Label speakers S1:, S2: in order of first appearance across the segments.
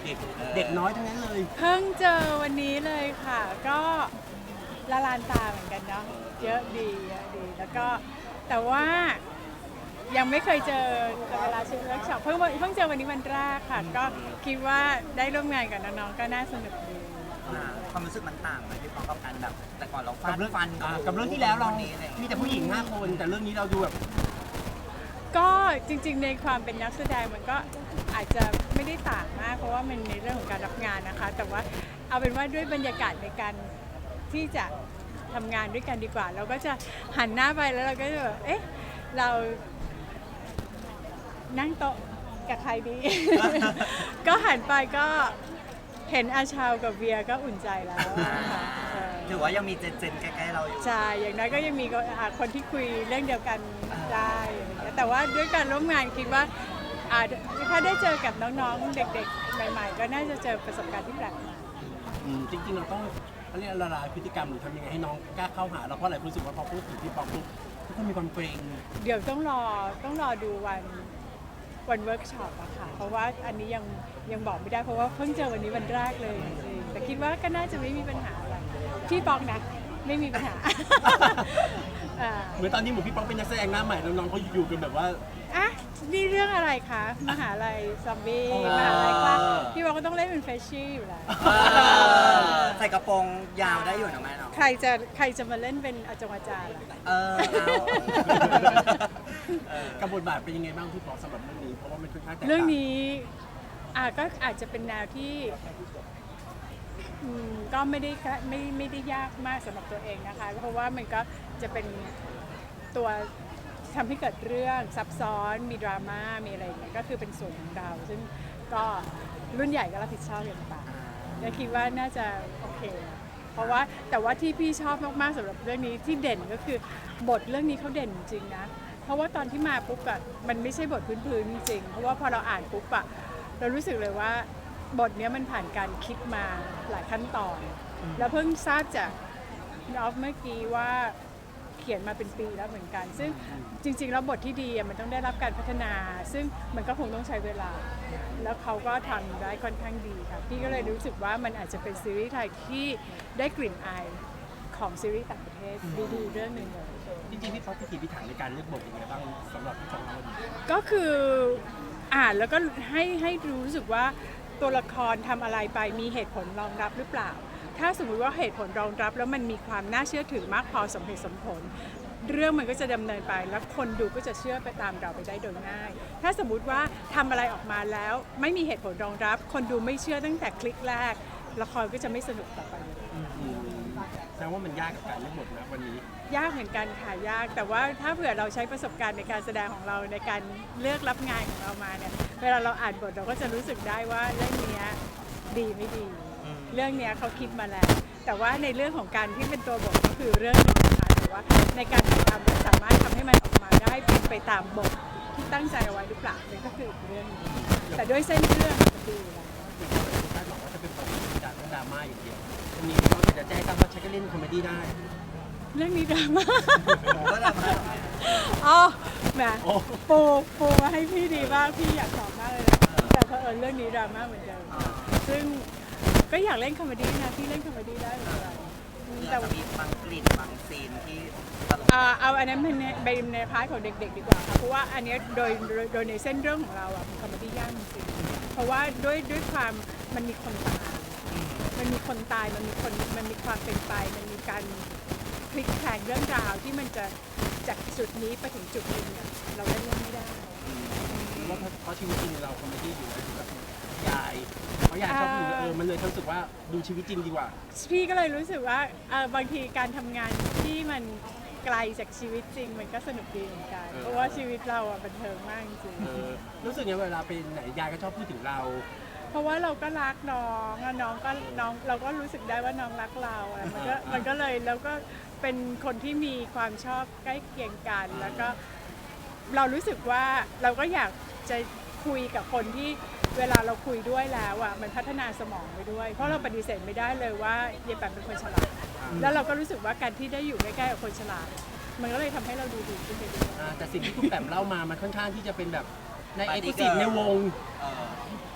S1: เด็กน้อยทั้งนั้นเลย
S2: เพิ่งเจอวันนี้เลยค่ะ ก็ละลานตาเหมือนกันเนาะเยอะดีแล้วก็แต่ว่ายังไม่เคยเจอเวลาชุดเวิร์กช็อปเพิ่งเจอวันนี้วันแรกค่ะ ก็คิดว่าได้ร่วมงานกับน้องๆก็น่าสนุกดี
S3: ความรู้สึกมันต่างไหมพี่ปองกับการแบบแต่ก่อนเราฟา
S1: กับ
S3: ด
S1: เรื่อง
S3: ฟัน
S1: กับเรื่องที่แล้วเรา
S3: นี้อะไร
S1: มีแต่ผู้หญิง5 คนแต่เรื่องนี้เราดูแบบ
S2: ก็จริงๆในความเป็นนักแสดงมันก็อาจจะไม่ได้ต่างมากเพราะว่ามันในเรื่องของการรับงานนะคะ แต่ว่าเอาเป็นว่าด้วยบรรยากาศในการที่จะทำงานด้วยกันดีกว่า เราก็จะหันหน้าไปแล้วเราก็จะแบบเอ๊ะเรานั่งโต๊ะกับใครดี ก็หันไปก็เห็นอาชาวกับเวียก็อุ่นใจแล้วค่ะ
S3: ถือว่ายังมีเจนใกล้ๆเราอยู่
S2: ใช่ อย่างน้อยก็ยังมีคนที่คุยเรื่องเดียวกันได้อะไรเงี้ยแต่ว่าด้วยการร่วมงานคิดว่าถ้าได้เจอกับน้องๆ เด็กๆ ใหม่ๆ ก็น่าจะเจอประสบการณ์ที่แปลกใหม่
S1: จริงๆเราต้องเขาเรียกละลายพฤติกรรมหรือทำยังไงให้น้องกล้าเข้าหาเราเพราะหลายคนรู้สึกว่าพอพูดถึงพี่ป๊อกปุ๊บทุกคนมีความเกรง
S2: เดี๋ยวต้องรอดูวันเวิร์กช็อปอะค่ะ เพราะว่าอันนี้ยังบอกไม่ได้เพราะว่าเพิ่งเจอวันนี้วันแรกเลยจริงๆแต่คิดว่าก็น่าจะไม่มีปัญหาอะไรพี่ป๊อกนะไม่มีปัญหา
S1: เหมือนตอนนี้หมูพี่ป๊อกเป็นนักแสดงหน้าใหม่น้องๆเขาอยู่กันแบบว่า
S2: อ่ะนี่เรื่องอะไรคะมหาลัยซอมบี้มหาลัยคลาสพี่บอกก็ต้องเล่นเป็นเฟรชชี่อยู่แล้ว
S3: ใส่กระโปรงยาวได้อยู่นะแม่เนาะ
S2: ใครจะมาเล่นเป็นอาจารย์ล่ะ
S1: กับบทบาทเป็นยังไงบ้างพี่ป๊อกสำหรับเรื่องนี้เพราะว่ามันค่อนข้างแตกต่าง
S2: เรื่องนี้ก็อาจจะเป็นแนวที่ก็ไม่ได้ยากมากสำหรับตัวเองนะคะเพราะว่ามันก็จะเป็นตัวทำให้เกิดเรื่องซับซ้อนมีดราม่ามีอะไรอย่างเงี้ยก็คือเป็นส่วนของเราซึ่งก็รุ่นใหญ่ก็รับผิดชอบอย่างต่างและคิดว่าน่าจะโอเคเพราะว่าแต่ว่าที่พี่ชอบมากๆสำหรับเรื่องนี้ที่เด่นก็คือบทเรื่องนี้เขาเด่นจริงนะเพราะว่าตอนที่มาปุ๊บอะมันไม่ใช่บทพื้นๆจริงๆเพราะว่าพอเราอ่านปุ๊บอะเรารู้สึกเลยว่าบทนี้มันผ่านการคิดมาหลายขั้นตอนแล้วเพิ่งทราบจากออฟเมื่อกี้ว่าเขียนมาเป็นปีแล้วเหมือนกันซึ่งจริงๆแล้วบทที่ดีมันต้องได้รับการพัฒนาซึ่งมันก็คงต้องใช้เวลาแล้วเขาก็ทำได้ค่อนข้างดีค่ะพี่ก็เลยรู้สึกว่ามันอาจจะเป็นซีรีส์ไทยที่ได้กลิ่นอายของซีรีส์ต่างประเทศดีๆเรื่องหนึ่งเลย
S1: จริงๆพี่ป๊อกพิถีพิถันในการเลือกบทยังไงบ้างสำหรับพี่ป๊อกเรา
S2: ก็คืออ่านแล้วก็ให้รู้สึกว่าตัวละครทำอะไรไปมีเหตุผลรองรับหรือเปล่า ถ้าสมมุติว่าเหตุผลรองรับแล้วมันมีความน่าเชื่อถือมากพอสมเหตุสมผล เรื่องมันก็จะดำเนินไปแล้วคนดูก็จะเชื่อไปตามเราไปได้โดยง่าย ถ้าสมมุติว่าทำอะไรออกมาแล้วไม่มีเหตุผลรองรับ คนดูไม่เชื่อตั้งแต่คลิกแรกละครก็จะไม่สนุกต่อไปเลย
S1: แสดงว่ามันยากกับการเลือกบทนะวันนี้
S2: ยากเหมือนกันค่ะยากแต่ว่าถ้าเผื่อเราใช้ประสบการณ์ในการแสดงของเราในการเลือกรับงานของเรามาเนี่ยเวลาเราอ่านบทเราก็จะรู้สึกได้ว่าเรื่องนี้ดีไม่ดี เรื่องนี้เขาคิดมาแล้ว แต่ว่าในเรื่องของการที่เป็นตัวบทก็คือเรื่องหนึงนะคะแต่ว่าในการถ่ายทำเราสามารถทำให้มันออกมาได้เป็นไปตามบทที่ตั้งใจเอาไว้หรือเปล่านี่ก็คืออีกเรื่องหนึงแต่ด้วยเส้นเรื่องมันดีอยู่แล้ว
S1: คาดหวังว่าจะเป็นบทที่จากดราม่าอย่างเดียววันนี้พี่ป๊อกจะแจ้งตั้งว่าใช้ก็เล่นคอมเมดี้ได้
S2: เรื่องนี้ดราม่า
S3: ก็แบบว่า
S2: อ๋อแหมปูมาให้พี่ดีมากพี่อยากตอบมากเลยนะแต่เผอิญเรื่องนี้ดราม่าเหมือนเดิมซึ่งก็อยากเล่นคอมเมดี้นะพี่เล่นคอมเมดี้ได้เหมือนกัน
S3: แต่มีบางกลิ่นบางซีนที่ตลก
S2: เอาอันนั้นเป็นในพาร์ทของเด็กๆดีกว่าค่ะเพราะว่าอันเนี้ยโดยในเส้นเรื่องของเราอะเป็นคอมเมดี้ยากจริงๆเพราะว่าด้วยความมันมีคนตายมันมีความเป็นไปมันมีการพลิกแพลงเรื่องราวที่มันจะจากจุดนี้ไปถึงจุดหนึงเนี่ยเราเล่นไม่ได้
S1: ว่าเพราะชีวิตจริงเราคอมเมดี้อยู่แล้วแบบยายเพราะยายชอบดูมันเลยรู้สึกว่าดูชีวิตจริงดีกว่า
S2: พี่ก็เลยรู้สึกว่าบางทีการทำงานที่มันไกลจากชีวิตจริงมันก็สนุกดีเหมือนกันเพราะว่าชีวิตเราอะบันเทิงมากจริง
S1: รู้สึกไงเวลาไปไหนยายก็ชอบพูดถึงเรา
S2: เพราะว่าเราก็รักน้องแล้วน้องเราก็รู้สึกได้ว่าน้องรักเราอะมันก็เลยแล้วก็เป็นคนที่มีความชอบใกล้เคียงกันแล้วก็เรารู้สึกว่าเราก็อยากจะคุยกับคนที่เวลาเราคุยด้วยแล้วอ่ะมันพัฒนาสมองไปด้วย เพราะเราปฏิเสธไม่ได้เลยว่ายายแปมเป็นคนฉลาดแล้วเราก็รู้สึกว่าการที่ได้อยู่ใกล้ๆกับคนฉลาดมันก็เลยทำให้เราดูดีขึ้นไปด้วย
S1: แต่สิ่งที่คุณแปมเล่ามามันค่อนข้างที่จะเป็นแบบในเอกลุศิในวง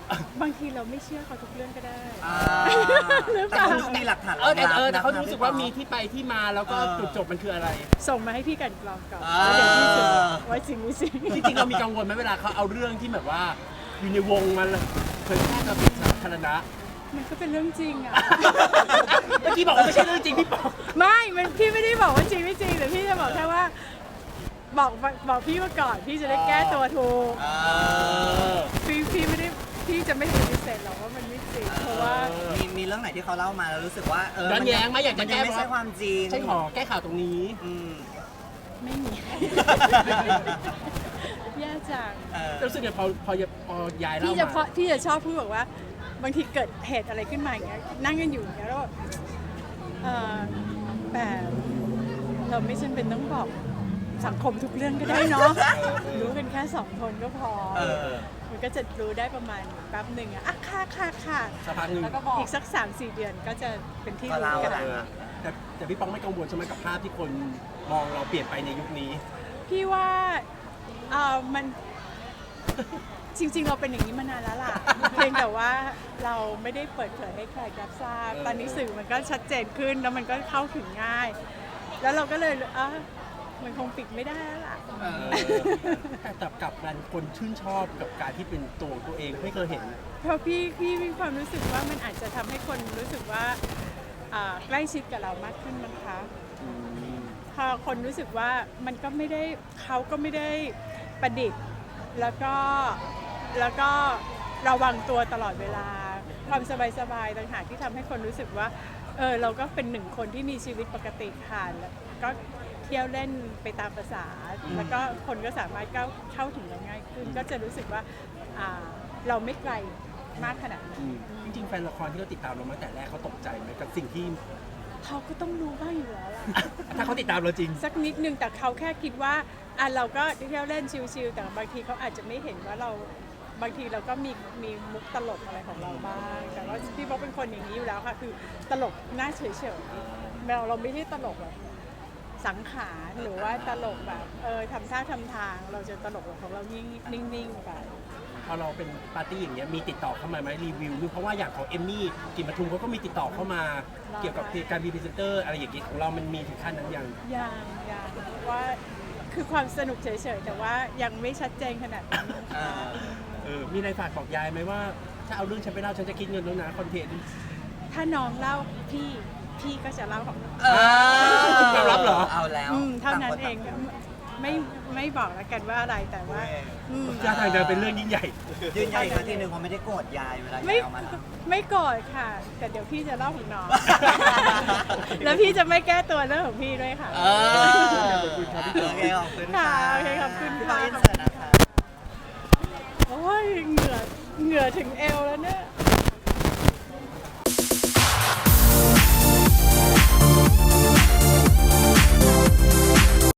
S2: บางทีเราไม่เชื่อเขาทุกเรื่องก็ได้ หรือเป
S3: แต่
S2: ล่า
S3: เขาดูมีหลักฐาน
S1: แต่เขารู้สึกว่ามีที่ไปที่มาแล้วก็จุดจบมันคืออะไร
S2: ส่งมาให้พี่กันกรองก่อนแล้วเดี๋ยวพี่สืบว่าจริงไม่จริง
S1: จริงๆเรามีกังวลไหมเวลาเขาเอาเรื่องที่แบบว่าอยู่ในวงมันเผยแพร่กับสาธารณะ
S2: มันก็เป็นเรื่องจริงอ่ะ
S1: เมื่อกี้บอกว่าไม่ใช่เรื่องจริงพี่ปอง
S2: ไม่มันพี่ไม่ได้บอกว่าจริงไม่จริงแต่พี่จะบอกแค่ว่า บอกพี่มาก่อนพี่จะได้แก้ตัวถูกพี่ไม่ได้พี่จะไม่ปฏิเสธหรอกว่ามันไม่จริงเพราะว่า
S3: มีเรื่องไหนที่เขาเล่ามาแล้วรู้สึกว่า
S1: ย้อนแย้งไหมอยากจะ
S3: มัน
S1: แก้
S3: ยังไม่ใช่ความจริง
S1: ใช่ขอแก้ข่าวตรงนี้
S3: อืม
S2: ไม่มี แย่จัง
S1: รู้สึกไงพอยายเล่า
S2: พี่จะชอบพูดบอกว่า บางทีเกิดเหตุอะไรขึ้นมาอย่างเงี้ยนั่งกันอยู่อย่างเงี้ยแล้วแบบแต่เราไม่จำเป็นต้องบอกสังคมทุกเรื่องก็ได้เนาะรู้กันแค่2 คนก็พอ มันก็จะรู้ได้ประมาณแป๊บหนึ่งอะค่ะ
S1: สักพักหนึ่ง
S2: แล้วก็บอกอีกสัก 3-4 เดือนก็จะเป็นที่รู้กัน
S1: แต่พี่ปองไม่กังวลใช่ไหมกับภาพที่คนมองเราเปลี่ยนไปในยุคนี้
S2: พี่ว่ามันจริงๆ เราเป็นอย่างนี้มานานแล้วล่ะ เพียงแต่ว่าเราไม่ได้เปิดเผยให้ใครรับทราบ ตอนนี้สื่อมันก็ชัดเจนขึ้นแล้วมันก็เข้าถึงง่าย แล้วเราก็เลยมันคงปิดไม่ได้แล้วล่ะ
S1: แต่กลับกันคนชื่นชอบกับการที่เป็นตัวของตัวเองไม่เคยเห็น
S2: เพราะพี่มีความรู้สึกว่ามันอาจจะทำให้คนรู้สึกว่าใกล้ชิดกับเรามากขึ้นมั้งคะพอคนรู้สึกว่ามันก็ไม่ได้เขาก็ไม่ได้ประดิษฐ์แล้วก็ระวังตัวตลอดเวลาความสบายๆต่างหากที่ทำให้คนรู้สึกว่าเราก็เป็น1 คนที่มีชีวิตปกติค่ะแล้วก็เที่ยวเล่นไปตามภาษาแล้วก็คนก็สามารถเข้าถึงเราง่ายขึ้นก็จะรู้สึกว่าเราไม่ไกลมากขนาดนั้น
S1: จริงๆแฟนละครที่เขาติดตามเรามาแต่แรกเขาตกใจไหมกับสิ่งที่
S2: เขาก็ต้องรู้บ้างอยู่แล้วล่ะ
S1: ถ้าเขาติดตามเราจริง
S2: สักนิดนึงแต่เขาแค่คิดว่าเราก็เที่ยวเล่นชิลๆแต่บางทีเขาอาจจะไม่เห็นว่าเราบางทีเราก็มีมุกตลกอะไรของเราบ้างแต่ว่าพี่บอกเป็นคนอย่างนี้อยู่แล้วค่ะคือตลกหน้าเฉยๆเราไม่ได้ตลกแบบสังขารหรือว่าตลกแบบทำท่าทำทางเราจะตลกแบบของเรานิ่งๆไป
S1: พอเราเป็นปาร์ตี้อย่างเงี้ยมีติดต่อเข้ามาไหมรีวิวเพราะว่าอย่างของเอมมี่กลิ่นปทุมเขาก็มีติดต่อเข้ามาเกี่ยวกับการมีพรีเซนเตอร์อะไรอย่างเงี้ยของเรามันมีถึงขั้นนั้นยัง
S2: ยังว่าคือความสนุกเฉยๆแต่ว่ายังไม่ชัดเจนขนาดนั้น
S1: มีอะไรฝากบอกยายไหมว่าถ้าเอาเรื่องฉันไปเล่าฉันจะคิดเงินแล้วนะคอนเทนต์
S2: ถ้าน้องเล่าพี่ก็จะเล่าของน้อง
S1: ยอมรับเหรอ
S3: เอาแล้ว
S2: เท่านั้นเองไม่บอกแล้วกันว่าอะไรแต่ว่า
S1: ท่าทางจะเป็นเรื่องยิ่งใหญ่
S3: ยืนยันอีกครั้งทีหนึ่งเขาไม่ได้โกรธยายเวลายายเอามาแล้ว
S2: ไม่โกรธค่ะ แต่เดี๋ยวพี่จะเล่าของน้อง แล้วพี่จะไม่แก้ตัวเรื่องของพี่ด้วยค่ะ
S3: โอเคขอบคุณ
S2: ค่ะโอเคขอบคุณ
S3: พี่
S2: ค่ะ
S3: ปาอินเสิร์ตนะคะ
S2: โอ้ยเหงื่อถึงเอวแล้วเนี่ย